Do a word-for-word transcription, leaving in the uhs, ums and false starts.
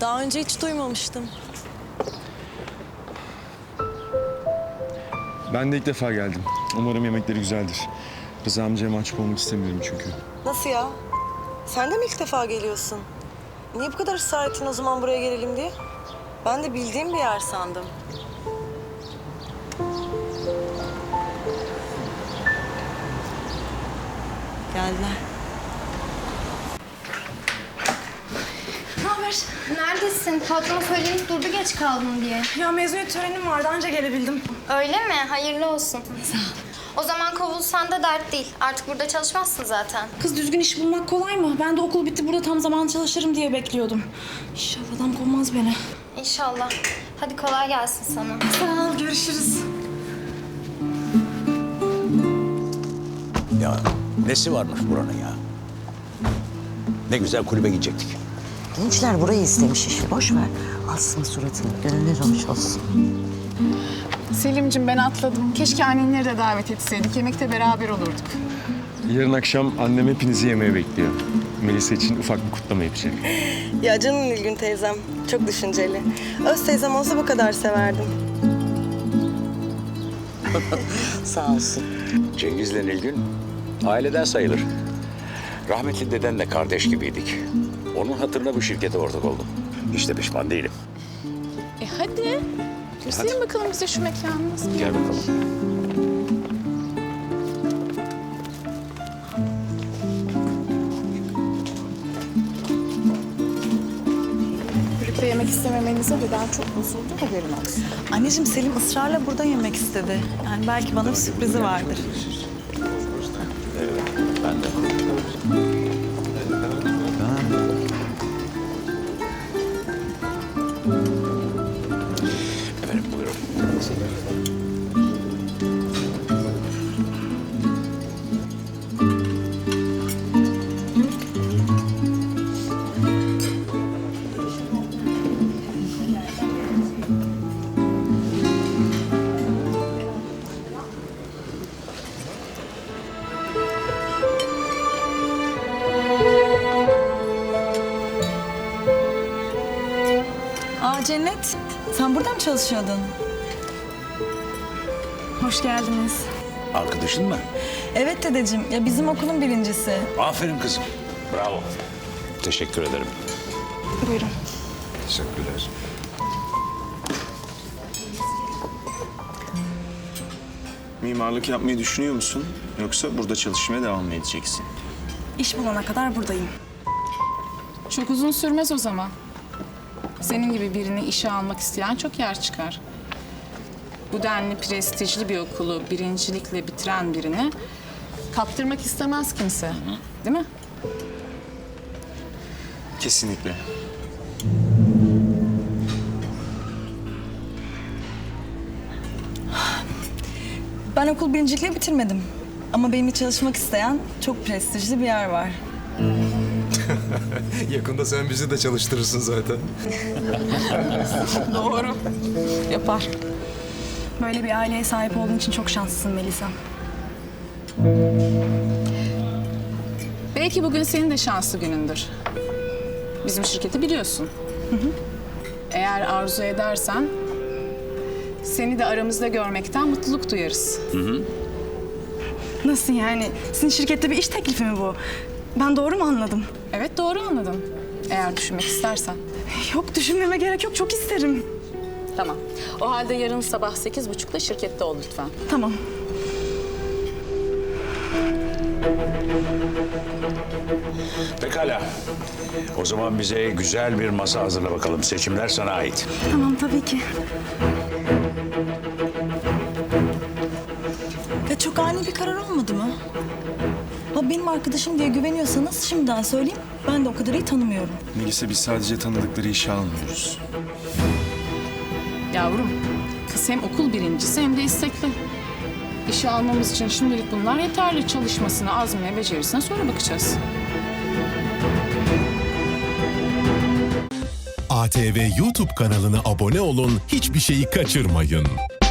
Daha önce hiç duymamıştım. Ben de ilk defa geldim. Umarım yemekleri güzeldir. Rıza amcaya mahcup olmak istemiyorum çünkü. Nasıl ya? Sen de mi ilk defa geliyorsun? Niye bu kadar ısrar ettin o zaman buraya gelelim diye? Ben de bildiğim bir yer sandım. Geldiler. Ne haber? Neredesin? Patrona söyleyip durdu geç kaldın diye. Ya mezuniyet törenim vardı anca gelebildim. Öyle mi? Hayırlı olsun. Sağ ol. O zaman kovulsan da dert değil. Artık burada çalışmazsın zaten. Kız düzgün iş bulmak kolay mı? Ben de okul bitti burada tam zaman çalışırım diye bekliyordum. İnşallah adam kovmaz beni. İnşallah. Hadi kolay gelsin sana. Sağ ol, görüşürüz. Ya nesi varmış buranın ya? Ne güzel kulübe gidecektik. Gençler burayı istemiş işi. Boş ver. Asma suratını. Gönüller hoş olsun. Selim'cim ben atladım. Keşke annenleri de davet etseydik. Yemekte beraber olurduk. Yarın akşam annem hepinizi yemeğe bekliyor. Melisa için ufak bir kutlama yapacak. Ya canım Nilgün teyzem. Çok düşünceli. Öz teyzem olsa bu kadar severdim. Sağ olsun. Cengiz'le Nilgün aileden sayılır. Rahmetli dedenle kardeş gibiydik. Onun hatırına bu şirkete ortak oldum. Hiç de pişman değilim. E hadi. Gösterin bakalım bize şu mekanı nasıl bir Gel yer? bakalım. Birlikte yemek istememenize deden çok bozuldu. Haberin olsun. Anneciğim Selim ısrarla burada yemek istedi. Yani belki bana bir sürprizi vardır. Ben de. Efendim buyurun. Aa Cennet, sen burada mı çalışıyordun? Hoş geldiniz. Arkadaşın mı? Evet dedeciğim, ya bizim okulun birincisi. Aferin kızım. Bravo. Teşekkür ederim. Buyurun. Teşekkürler. Mimarlık yapmayı düşünüyor musun? Yoksa burada çalışmaya devam mı edeceksin? İş bulana kadar buradayım. Çok uzun sürmez o zaman. Senin gibi birini işe almak isteyen çok yer çıkar. Bu denli prestijli bir okulu birincilikle bitiren birini kaptırmak istemez kimse. Değil mi? Kesinlikle. Ben okul birincilikle bitirmedim. Ama benimle çalışmak isteyen çok prestijli bir yer var. Yakında sen bizi de çalıştırırsın zaten. Doğru. Yapar. Böyle bir aileye sahip olduğun için çok şanslısın Melisa. Belki bugün senin de şanslı günündür. Bizim şirketi biliyorsun. Eğer arzu edersen seni de aramızda görmekten mutluluk duyarız. Nasıl yani? Sizin şirkette bir iş teklifi mi bu? Ben doğru mu anladım? Evet doğru anladın. Eğer düşünmek istersen. Yok düşünmeme gerek yok. Çok isterim. Tamam. O halde yarın sabah sekiz buçukta şirkette ol lütfen. Tamam. Pekala. O zaman bize güzel bir masa hazırla bakalım. Seçimler sana ait. Tamam tabii ki. Ya çok ani bir karar olmadı mı? Ha benim arkadaşım diye güveniyorsanız şimdiden söyleyeyim. Ben de o kadar iyi tanımıyorum. Melisa biz sadece tanıdıkları işe almıyoruz. Yavrum, kız hem okul birincisi hem de istekli. İşe almamız için şimdilik bunlar yeterli. Çalışmasına, azmine, becerisine sonra bakacağız. A T V YouTube kanalına abone olun, hiçbir şeyi kaçırmayın.